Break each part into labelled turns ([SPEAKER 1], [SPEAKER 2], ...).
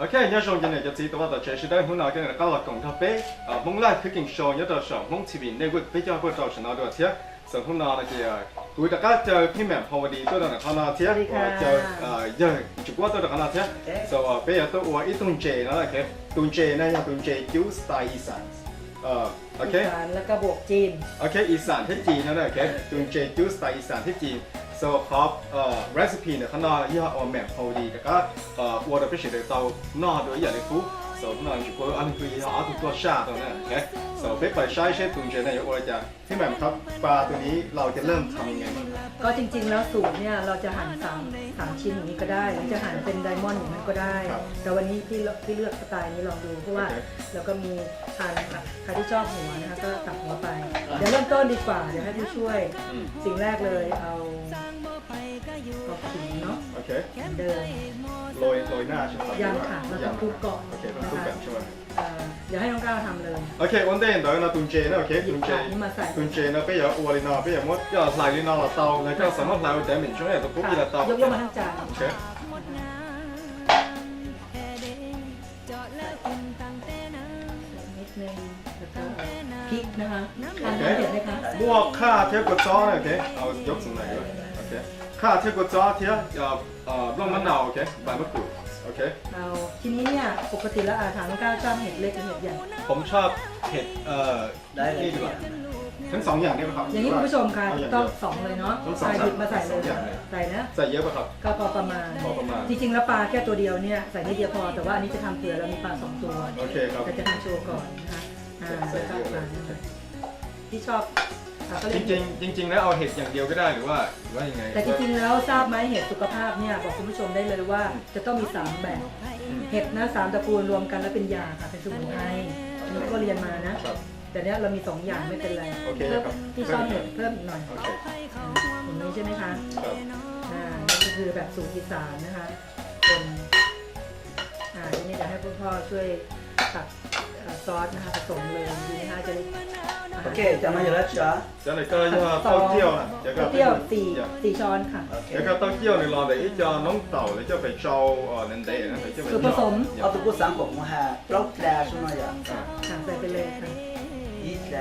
[SPEAKER 1] OK，nhớ rồi này就知道我就是在湖南跟人家老公他被蒙拉 cooking show 有的时候蒙这边那个比较不早是那多些，是湖南那些，对大家就偏门好的都在那看那些，就就过都在看那些，所以比较多我一顿เจนะโอเค顿เจนะยัง顿เจยูสไตล์อีสานโอเค
[SPEAKER 2] อีสานแล้วก็บวกจีน
[SPEAKER 1] โอเคอีสานที่จีนนะโอเค顿เจยูสไตล์อีสานที่จีน so ครับrecipe เนี่ยข้างนอกยี่ห้อแหม่มพอดีแต่ก็วัวเราไปเฉยๆเตานอกโดยอย่างไรฟูso ข้างนอกจุดอันนี้คือยี่ห้อตัวชาตัวนั้นโอเค so ไปใช้ตุนเจเนี่ยวัวจะที่แหม่มครับปลาตัวนี้เราจะเริ่มทำยังไงบ้าง
[SPEAKER 2] ก็จริงๆแล้วสูตรเนี่ยเราจะหั่น3ชิ้นอย่างนี้ก็ได้หรือจะหั่นเป็นไดมอนด์อย่างนั้นก็ได้ แต่วันนี้พี่เลือกสไตล์นี้ลองดูเพราะว่าเราก็มีทานใครที่ชอบหัวนะคะก็ตัดหัวไป เดี๋ยวเริ่มต้นดีกว่าเดี๋ยวให้ผู้ช่วยสิ่งแรกเลยเอาขิงเนาะ
[SPEAKER 1] โอเค
[SPEAKER 2] เดิม
[SPEAKER 1] โรยหน้าใช่ไหมครับ
[SPEAKER 2] ยังค่ะเราต้องคลุกก่อน
[SPEAKER 1] โอเคต้องคลุกกันใช่ไหม
[SPEAKER 2] เดี๋ยวให้น้องก้าวทำเลย
[SPEAKER 1] โอเควันเดนเดี๋ยวเราตุนเจนะโอเคตุนเจ
[SPEAKER 2] นี่มาใส่
[SPEAKER 1] ตุนเจนะไปอย่าอวดเลยนะไปอย่ามดอย่าใส่เลยนะเราเตาแล้วก็สามารถใส่แต่เหม็นช่วงนี้ตัวปุ๊บเราเตาย
[SPEAKER 2] กมาทั้งจาน
[SPEAKER 1] โอเค
[SPEAKER 2] นิดนึงแล้วก็พริกนะคะทานน้ำเผ็ดไหมคะ
[SPEAKER 1] บวกค่าเทียบกับจ้อโอเคเอายกสมัยเลยโอเคค่าเทียบกับจ้อเทียบร่องมะนาวโอเคใบมะกรูดโอเค
[SPEAKER 2] เอาทีนี้เนี่ยปกติแล้วถามน้องก้าวชอบเห็ดเล็กหรือเห็ดใหญ่
[SPEAKER 1] ผมชอบเห็ด
[SPEAKER 3] ได้เลย
[SPEAKER 1] นี่ดีกว่าทั้งสองอย่างได้ไหมครับ
[SPEAKER 2] อย่างนี้คุณผู้ชมค่ะต้องสองเลยเนาะ
[SPEAKER 1] ต้องสอง
[SPEAKER 2] ใส่หยิบมาใส่เลย
[SPEAKER 1] อย่างเลย
[SPEAKER 2] ใส่นะ
[SPEAKER 1] ใส่เยอะป่ะครับ
[SPEAKER 2] ก็พอประมาณ
[SPEAKER 1] พอประมาณ
[SPEAKER 2] จริงๆแล้วปลาแค่ตัวเดียวเนี่ยใส่นิดเดียวพอแต่ว่าอันนี้จะทำเผื่อเรามีปลา2 ตัว
[SPEAKER 1] โอเคครับ
[SPEAKER 2] แต่จะทำโชว์ก่อนนะคะแล้วก็ปลาที่ชอบก็
[SPEAKER 1] จ
[SPEAKER 2] เรียก
[SPEAKER 1] ริงๆแล้วเอาเห็ดอย่างเดียวก็ได้หรือว่ายังไง
[SPEAKER 2] แต่จริงๆแล้วทราบไหมเห็ดสุขภาพเนี่ยบอกคุณผู้ชมได้เลยว่าจะต้องมี3แบบเห็ดนะ3ตระกูลรวมกันแล้วเป็นยาค่ะเป็นสมุนไพรอันนี้ก็เรียนมานะครับ แต่เนี้ยเรามี2อย่างไม่เป็นไร
[SPEAKER 1] โอเค
[SPEAKER 2] เพิ่ม
[SPEAKER 1] ครับ
[SPEAKER 2] ที่ชอบเห็ดเพิ่มอีกหน่อย
[SPEAKER 1] โอเค
[SPEAKER 2] อย่างนี้ใช่ไหมคะ
[SPEAKER 1] ครับ
[SPEAKER 2] นี่ก็คือแบบสูตรอีสานนะคะคนทีนี้จะให้คุณพ่อช่วยตักซอสนะคะผสมเลยดีนะคะจะได้
[SPEAKER 3] โอเคจะมาอยู่แล้วจ้ะ
[SPEAKER 1] จะไหนก็เต้าเจี้ยวนะเดี๋ยวก็
[SPEAKER 2] เที่ยว4ช้อนค่ะ
[SPEAKER 3] โอเค
[SPEAKER 1] เดี๋ยวก็เต้าเจี้ยวในรอเดี๋ยวจะน้องเต่าเดี๋ยวจะไปเจ้านันเดนะเดี๋ยวจะไป
[SPEAKER 2] สูตรผสม
[SPEAKER 3] เอาตัวกูสั่งผมมาหาปลอกแกลใช่ไหมจ๊ะ
[SPEAKER 2] สั่งใส่ไปเลยค่ะ
[SPEAKER 3] อีแกล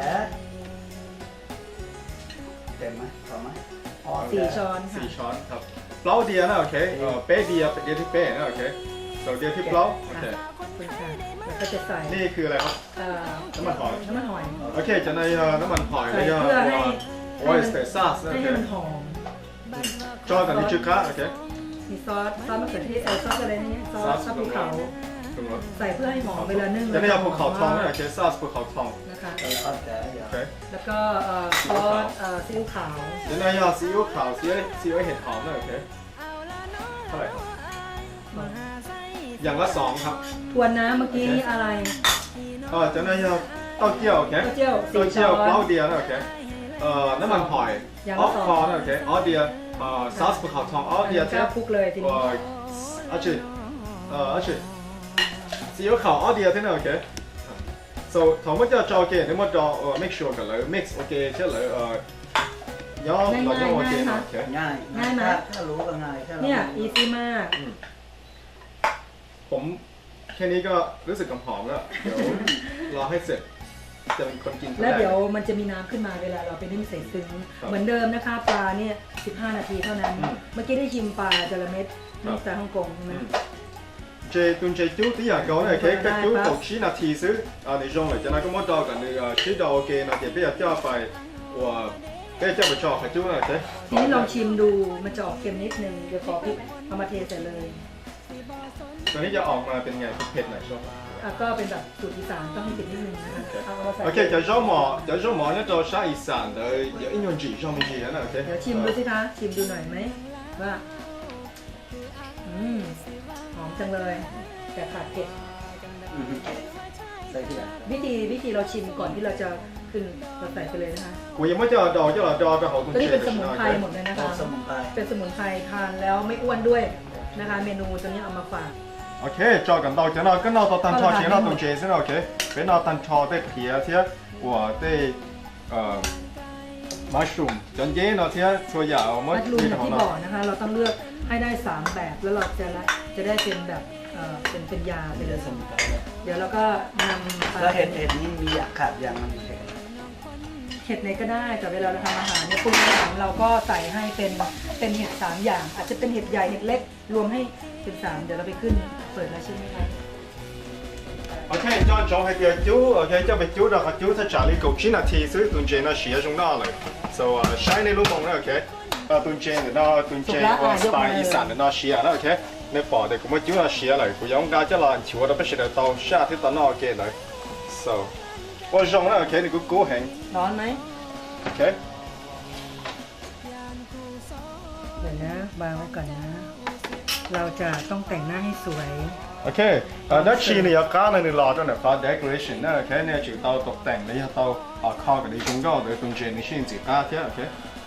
[SPEAKER 3] เต็มไหมพอไหม
[SPEAKER 2] 4 ช้อนค่ะ
[SPEAKER 1] 4 ช้อนครับเปล่าเดียนะโอเคเป๊ะเดียเดียที่เป๊ะนะโอเคส่วนเดียที่เปล่าโอเค
[SPEAKER 2] คุณค่ะแล้วก็จะใส่
[SPEAKER 1] นี่คืออะไรครับ น้ำมันหอย
[SPEAKER 2] น้ำมันหอย
[SPEAKER 1] โอเคจะในน้ำมันหอย
[SPEAKER 2] ใส่
[SPEAKER 1] แล้วก็
[SPEAKER 2] เพื่อให้
[SPEAKER 1] โอ้ยสเตซัสนะโอ
[SPEAKER 2] ให้
[SPEAKER 1] เค
[SPEAKER 2] มันหอม
[SPEAKER 1] จอกันนี่ชื่อค้าโอเค
[SPEAKER 2] มีซอสมะเขือเทศซอสอะไรนี่ซอสภูเขา
[SPEAKER 1] ถูกไหม
[SPEAKER 2] ใส่เพื่อให้หอมเวลานึ่ง
[SPEAKER 1] จะได้เอาภูเขาทองนะโอเคซัสภูเขาทอง
[SPEAKER 2] นะคะ
[SPEAKER 3] ปลอกแกลอย่า
[SPEAKER 1] โอเค
[SPEAKER 2] แล้วก็ซอสซีอิ๊วขาว
[SPEAKER 1] จะได้เอาซีอิ๊วขาวซีอิ๊วเห็ดหอมนะโอเคเท่าไหร่ครับอย่างละ2ครับ
[SPEAKER 2] ทวนน้ำเมื่อกี้อะไร
[SPEAKER 1] จะได้เอาเต้าเจี้ยวโอเค
[SPEAKER 2] เต้าเจี้ยว
[SPEAKER 1] เต้า
[SPEAKER 2] 4
[SPEAKER 1] เจี้
[SPEAKER 2] ช้
[SPEAKER 1] ย
[SPEAKER 2] อ
[SPEAKER 1] วเปล่าน เดียนะโอเคน้ำมันหอย
[SPEAKER 2] อย่าง
[SPEAKER 1] อ๋อ
[SPEAKER 2] ละ
[SPEAKER 1] คอนะโอเคอ๋อเดียซัสภูเขาทองอ๋อเดีย
[SPEAKER 2] ก็คลุกเลยทีนี้
[SPEAKER 1] 而且只要靠我哋嘅聽到 OK。So 頭乜就做嘅，你乜做make sure 嘅你 mix OK 即係你有落咗 OK 嘛 OK。
[SPEAKER 3] ง่ายถ้ารู้ก็ง่ายแค่เรา
[SPEAKER 2] เนี่ยอีซี่มาก
[SPEAKER 1] ผมแค่นี้ก็รู้สึกหอมแล้วเดี๋ยวรอให้เสร็จจะเป็นคนกินคน
[SPEAKER 2] แล้ว
[SPEAKER 1] แรก
[SPEAKER 2] เดี๋ยวมันจะมีน้ำขึ้นมาเวลาเราไปนึ่งใส่ซึ้งเหมือนเดิมนะคะปลาเนี่ย15 นาทีเท่านั้น เมื่อกี้ได้ชิมปลาจระเม็ดนี่จากฮ่องกงใช่ไหม
[SPEAKER 1] J 豬啲人講咧，佢都讀書那提示你用嚟，就那咁我到緊你知道 OK 那啲比較交費，我比較唔錯，係做咩啫？
[SPEAKER 2] ทีนี้ลองชิมดูมันจะออกเค็มนิดนึงเดี๋ยวขอพริกเอามาเทใส่เลย
[SPEAKER 1] ตอนนี้จะออกมาเป็นไงเผ็ดหน่อยชอบ
[SPEAKER 2] ก็เป็นแบบสูตรอีสานต้องให้เผ็ดนิดนึงนะคะเอามาใส่
[SPEAKER 1] OK，就咗望一座沙อีสานเลย有應用住上面嘅人啦 OK。
[SPEAKER 2] เดี๋ยวชิมดูสิคะชิมดูหน่อยไหมว่าหอมจังเลยแต่ขาดเผ็ด
[SPEAKER 3] ใส่ที่ไหน
[SPEAKER 2] วิธีเราชิมก่อนที่เราจะขึ้นเราใส่ไปเลยนะคะ
[SPEAKER 1] กูยังไม่เจอดอกเจ้าหล่อดอกไปหอม
[SPEAKER 2] ตัวนี้เป็นสมุนไพรหมดเลยนะคะ
[SPEAKER 3] สมุนไพร
[SPEAKER 2] เป็นสมุนไพรทานแล้วไม่อ้วนด้วยนะคะ เมนูตัวนี้เอามาฝาก
[SPEAKER 1] OK，再緊到就那跟到到蛋炒前那種先 OK，俾那蛋炒的皮啊些，我的mushroom，陣間那些所有我
[SPEAKER 2] มัดรูม
[SPEAKER 1] 們
[SPEAKER 2] อย่างที่บอกนะคะ เราต้องเลือกให้ได้3แบบแล้วเราจะได้เป็นแบบเป็นยาไป
[SPEAKER 3] เป็น
[SPEAKER 2] เลย
[SPEAKER 3] สมุนไพรเลย
[SPEAKER 2] เดี๋ยวเราก็นำ
[SPEAKER 3] แล้วเห็ดนี้มีอย่างขาดอย่างมันเห็ด
[SPEAKER 2] เห็ดไหนก็ได้แต่เวลาเราทำอาหารเนี่ยปรุงอาหารเราก็ใส่ให้เป็นเห็ด3อย่าง อาจจะเป็นเห็ดใหญ่เห็ดเล็กรวมให้เป็น3เดี๋ยวเราไปขึ้นเปิดแล้วใช่ไหมคะ
[SPEAKER 1] OK，將種係條豬，OK，即係豬就係豬，即係查理焗錢啊，提水燉正啊，時一種拿嚟，so 啊，shine 你老公咧，OK，啊燉正嘅啦，燉正我 style อีสาน嘅啦，時啊啦，OK，你bỏ哋咁嘅豬啊時嚟，佢用家即係難潮，我都不是嚟到夏天到那嘅嚟，so 我用咧，OK，你個高興
[SPEAKER 2] ร้อนไหม
[SPEAKER 1] ，OK，
[SPEAKER 2] เดี๋ยวนะวางไว้ก่อนนะ เราจะต้องแต่งหน้าให้สวย
[SPEAKER 1] OK，啊，那次你要加你攞咗嚟發 decoration 咧，OK，你就到獨定，你要到啊靠嘅你中間你燉正你先至加添，OK。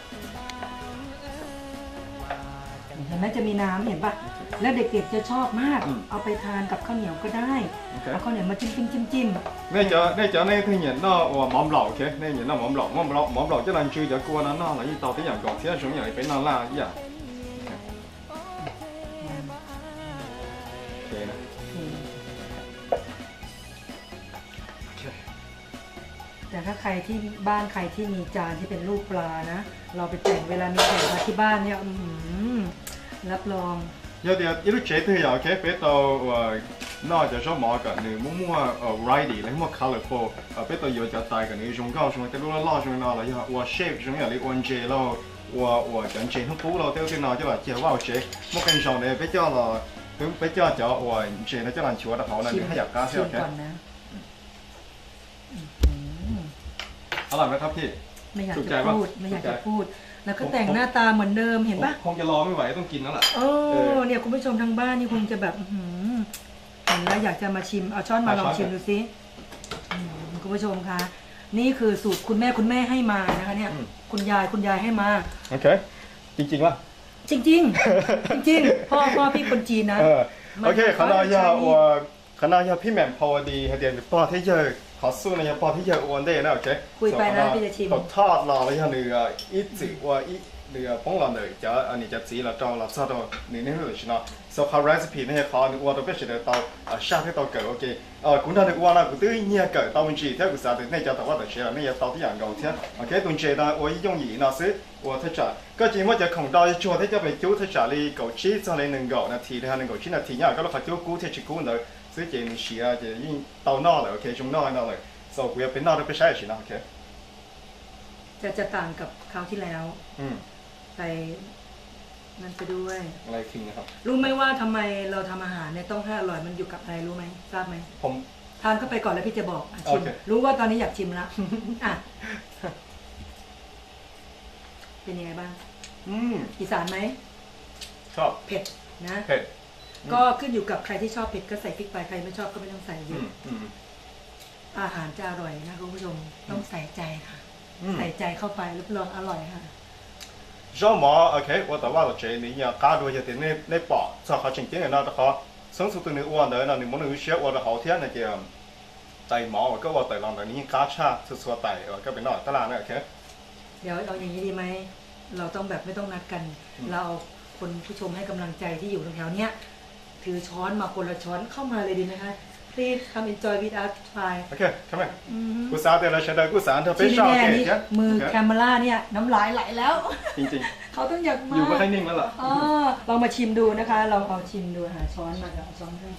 [SPEAKER 2] เห็นไหมจะมีน้ำเห็นปะแล้วเด็กๆจะชอบมาก เอาไปทานกับข้าวเหนียวก็ได้ เอาข้าวเหนียวมาจิ้ม
[SPEAKER 1] 呢聽人啦，我話網樓嘅，呢人啦網樓，一輪住就過啦，嗱，依到啲人講，其他種人嚟俾我啦，依人。
[SPEAKER 2] แต่ถ้าใครที่บ้านใครที่มีจานที่เป็นรูปปลานะ เราไปแต่งเวลามีแขกมาที่บ้านเนี่ยรับรอง
[SPEAKER 1] 有啲一路借都有嘅，俾到嗱就想買嘅，你冇variety，你冇 colorful，俾到有就大嘅，你用高上啲攞拉上拿啦，以後我 shape 上有你按借咯，我整借好補咯，都啲拿咗嚟借話借，冇跟上你比較啦，咁比較就我借你即係難潮得好啦，你喺入家先
[SPEAKER 2] ชิม
[SPEAKER 1] OK。
[SPEAKER 2] ก่อนนะ
[SPEAKER 1] อร่อยไหมครับพี่
[SPEAKER 2] ไม่อยาก
[SPEAKER 1] ถูกใจ
[SPEAKER 2] จะ
[SPEAKER 1] ปะ
[SPEAKER 2] พูดไม่อยาก
[SPEAKER 1] ถูกใจ
[SPEAKER 2] จะพูด แล้วก็แต่งหน้าตาเหมือนเดิมเห็นปะ
[SPEAKER 1] คงจะรอไม่ไหวต้องกินแล้วล่ะ
[SPEAKER 2] โอ้เนี่ยคุณผู้ชมทางบ้านนี่คงจะแบบเห็นแล้วอยากจะมาชิมเอาช้อนมาลองชิมดูสิคุณผู้ชมคะนี่คือสูตรคุณแม่ให้มานะคะเนี่ยคุณยายให้มา
[SPEAKER 1] โอเคจริงๆป่ะ
[SPEAKER 2] จริงๆ จริงๆพ่อพี่คนจีนนะ
[SPEAKER 1] โอเคขณะยาพี่แหม่มพอดีให้เดี๋ยวป้อที่เยอะขอสู้ในยาป้อที่เยอะอ้วนได้นะโอเค
[SPEAKER 2] คุยไปนะพี่จะชิม
[SPEAKER 1] ตกทอดรอแล้วเนื้ออีจิว่าอีเนื้อป้องเราเลยจะอันนี้จะสีเราจองเราซอดนี่นี่เลยใช่ไหม so เขา recipe เนี่ยเขาอ้วนตัวเป็นสิ่งที่เราชาที่เราเกิดโอเคคุณท่านอ้วนนะคุณตื้อเนี่ยเกิดตัวมันจีที่คุณสาธิตเนี่ยจะตัวว่าแต่เชื่อเนี่ยตัวที่อย่างเก่าเท่าโอเคตัวเจนะ我用意那是我他讲ก็จริงว่าจะของเราชัวร์ที่จะไปจิ้ว他讲你枸杞就你能夠那提的那枸杞那提呀ก็เราขจิ้วกู้ที่ชิกู้เลย所以你試啊就已經到那了 OK 中那那了 so กู要เป็น那都不ใช่สินะ OK
[SPEAKER 2] จะต่างกับคราวที่แล้วใส่นั่นไปด้วย
[SPEAKER 1] อะไรคิงนะครับ
[SPEAKER 2] รู้ไหมว่าทำไมเราทำอาหารเนี่ยต้องให้อร่อยมันอยู่กับอะไรรู้ไหมทราบไหม
[SPEAKER 1] ผม
[SPEAKER 2] ทานเข้าไปก่อนแล้วพี่จะบอกชิม
[SPEAKER 1] โอเค
[SPEAKER 2] รู้ว่าตอนนี้อยากชิมแล้ว อ่ะเป็นยังไงบ้างอีสานไหม
[SPEAKER 1] ชอบ
[SPEAKER 2] เผ็ดนะ
[SPEAKER 1] เผ็ด
[SPEAKER 2] ก็ขึ้นอยู่กับใครที่ชอบเผ็ดก็ใส่พริกไปใครไม่ชอบก็ไม่ต้องใส่เยอะอาหารจะอร่อยนะคุณผู้ชมต้องใส่ใจค่ะ ใส่ใจเข้าไปรับรองอร่อยค่ะ
[SPEAKER 1] ชอบหมอโอเคว่าแต่ว่าเราเจนี่เนี่ยการดูจะเป็นในปอดถ้าเขาจริงๆนะแต่เขา生出ตัวนี้อ้วนเลยนะ你们能学我的好天那个ไตหมอก็ว่าไตลองแต่นี้กาชาสุดๆไตก็เป็นนอกตลาดนะโอเค
[SPEAKER 2] เดี๋ยวเอาอย่างนี้ดีไหมเราต้องแบบไม่ต้องนัดกัน เราเอาคนผู้ชมให้กำลังใจที่อยู่แถวๆเนี้ยถือช้อนมาคนละช้อนเข้ามาเลยดีไหมคะ Please come enjoy with us try
[SPEAKER 1] โอเคเข้ามากูสาเดี๋ยวเราใช้ได้กูสาเธอไป
[SPEAKER 2] ที่
[SPEAKER 1] ชอบ
[SPEAKER 2] แน่
[SPEAKER 1] เก
[SPEAKER 2] นี่
[SPEAKER 1] เนี่ย
[SPEAKER 2] มือแคมเมล่าเนี่ยน้ำลายไหลแล้ว
[SPEAKER 1] จริง
[SPEAKER 2] เขาต้องอยาก
[SPEAKER 1] ๆ
[SPEAKER 2] มา
[SPEAKER 1] อยู่ไม่ค่อยนิ่งแล้วล่ะ
[SPEAKER 2] ลองมาชิมดูนะคะลองเอาชิมดูหาช้อนมาเดี๋ยวเอาช้อนให้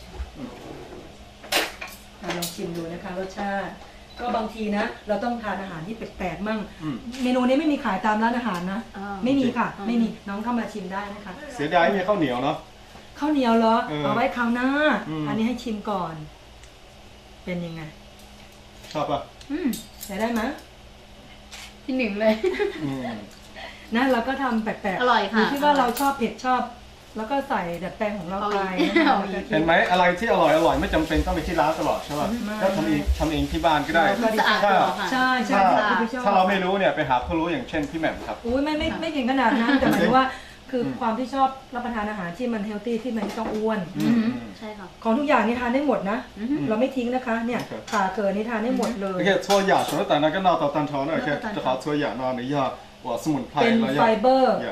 [SPEAKER 2] ลองชิมดูนะคะรสชาติก็บางทีนะ เราต้องทานอาหารที่แปลกๆมั่งเมนูนี้ไม่มีขายตามร้านอาหารนะไม่มีค่ะไม่มีน้องเข้ามาชิมได้นะคะ
[SPEAKER 1] เสียดายไม่มีข้าวเหนียวเนาะ
[SPEAKER 2] ข้าวเหนียวเหรอเอาไว้คราวหน้าอันนี้ให้ชิมก่อน เป็นยังไง
[SPEAKER 1] ชอบป่ะ
[SPEAKER 2] ใช้ได้ไหม
[SPEAKER 4] ที่หนึ่งเลย
[SPEAKER 2] นะเราก็ทำแปลกๆ
[SPEAKER 4] อร่อยค่ะ
[SPEAKER 2] ยู่ที่ว่าเราชอบเผ็ดชอบ แล้วก็ใส่ดัดแปลงของเราไปนะคะ
[SPEAKER 1] เห็นไหมอะไรที่อร่อยไม่จำเป็นต้องไปที่ร้านตลอดใช่ป่ะก็ทำเองที่บ้านก็ได้
[SPEAKER 4] สะอาดกว่าค่ะ
[SPEAKER 2] ใช่ใช่ที่ชอบ
[SPEAKER 1] ถ้าเราไม่รู้เนี่ยไปหาผู้รู้อย่างเช่นพี่แหม่มครับ
[SPEAKER 2] อุ้ยไม่ถึงขนาดนั้นแต่หมายถึงว่าคือความที่ชอบรับประทานอาหารที่มันเฮลตี้ที่มันไม่ต้องอ้วน
[SPEAKER 4] ใช่ค่ะ
[SPEAKER 2] ของทุกอย่างนี่ทานได้หมดนะ เราไม่ทิ้งนะคะ เนี่ยขาเกินนี่ทานได้หมดเลย
[SPEAKER 1] โอเค搓牙除了等那个闹到蛋炒呢，OK，正好搓牙呢，你要我สมุนไพร
[SPEAKER 2] เป็น
[SPEAKER 1] แล้ว
[SPEAKER 2] ไฟเบอร์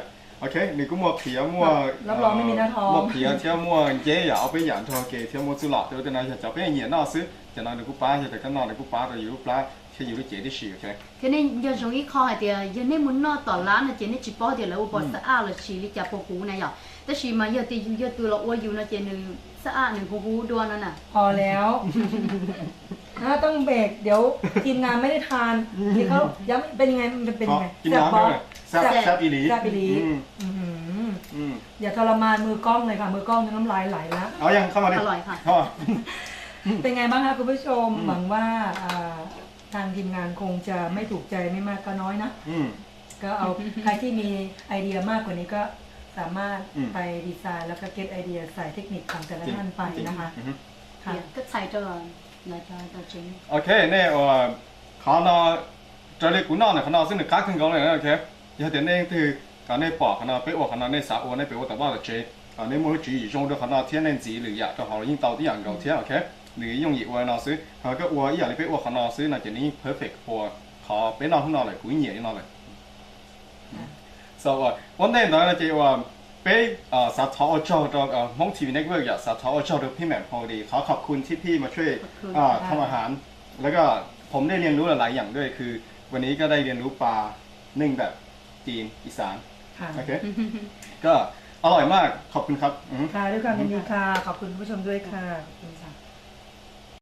[SPEAKER 1] โอเคนี่กูมัวเขียวมัว
[SPEAKER 2] รับรองไม่มีหน้าท้อง
[SPEAKER 1] มัวเขียวเที่ยวมัวเย่อย่าเอาไปหยานทอเกเที่ยวมัวจุหลอดเดี๋ยวจะนายจะไปเหยียดนอซื้อจะนอนในกูป้าจะก็นอนในกูป้าแต่อยู่ป้าแค่อยู่ที่เจที่สี่โอเค
[SPEAKER 4] thế nên giờ giống như kho hay thì giờ nên muốn nó tỏ lá là chỉ nên chỉ bỏ thì là u bỏ sa là chỉ đi chả bỏ cú này nhởแต่ชีมาเยอะตีอยู่เยอะตัวเราอ้วนอยู่นะเจนึงสะอาดหนึ่งกูดวนนั่นน่ะ
[SPEAKER 2] พอแล้วต้องเบรกเดี๋ยวทีมงานไม่ได้ทานนี่เขาย้ำเป็นยังไงมันเป็นยังไง
[SPEAKER 1] กินน้ำด้วยแซ่บอีหลี
[SPEAKER 2] แซ่บอีหลีอย่าทรมานมือกล้องเลยค่ะมือกล้องน้ำลายไหลแล้ว
[SPEAKER 1] เอายังเข้ามาดิ
[SPEAKER 4] อร่อยค่ะ
[SPEAKER 1] เข้ามา
[SPEAKER 2] เป็นไงบ้างคะคุณผู้ชมหวังว่าทางทีมงานคงจะไม่ถูกใจไม่มากก็น้อยนะก็เอาใครที่มีไอเดียมากกว่านี้ก็สามารถไปดีไซน์แล้วก็เก็ตไอเดียใส่เทคนิคของแต่ละท่านไปนะคะค่ะ
[SPEAKER 4] ก็ใส่ตัวlà cho chính
[SPEAKER 1] โอเคเนี่ยเขาเนาะจะเรียกกูนอนเนี่ยเขาเนาะซึ่งหนึ่งค้าขึ้นกองเลยนะโอเคอย่าเดี๋ยวนี่คือการในปอกเขาเนาะไปอวกเขาเนาะในสาวในไปอวกแต่ว่าเจในมือถืออยู่ช่วงเดียวเขาเนาะเทียนเล่นสีหรืออยากจะหายิ่งเตาที่อย่างเก่าเทียนโอเคหรือ用อีกวันเนาะซื้อเขาก็อวอีอย่างนี้ไปอวกเขาเนาะซื้อน่ะจะนี่ perfect พอเขาไปนอนข้างนอกเลยกูเหนียวนี่นอนเลย so วันนี้เนาะจะว่าไปสาธารณชนมองทีวีเน็ตเวิร์กอยากสาธารณชนพี่แหม่มพอดีขอบคุณที่พี่มาช่วยทำอาหารแล้วก็ผมได้เรียนรู้หลายอย่างด้วยคือวันนี้ก็ได้เรียนรู้ปลานึ่งแบบจีนอีสานโอเคก็อร่อยมากขอบคุณครับ
[SPEAKER 2] ค่ะด้วยความยินดีค่ะขอบคุณผู้ชมด้วยค่ะขอบคุณค่ะ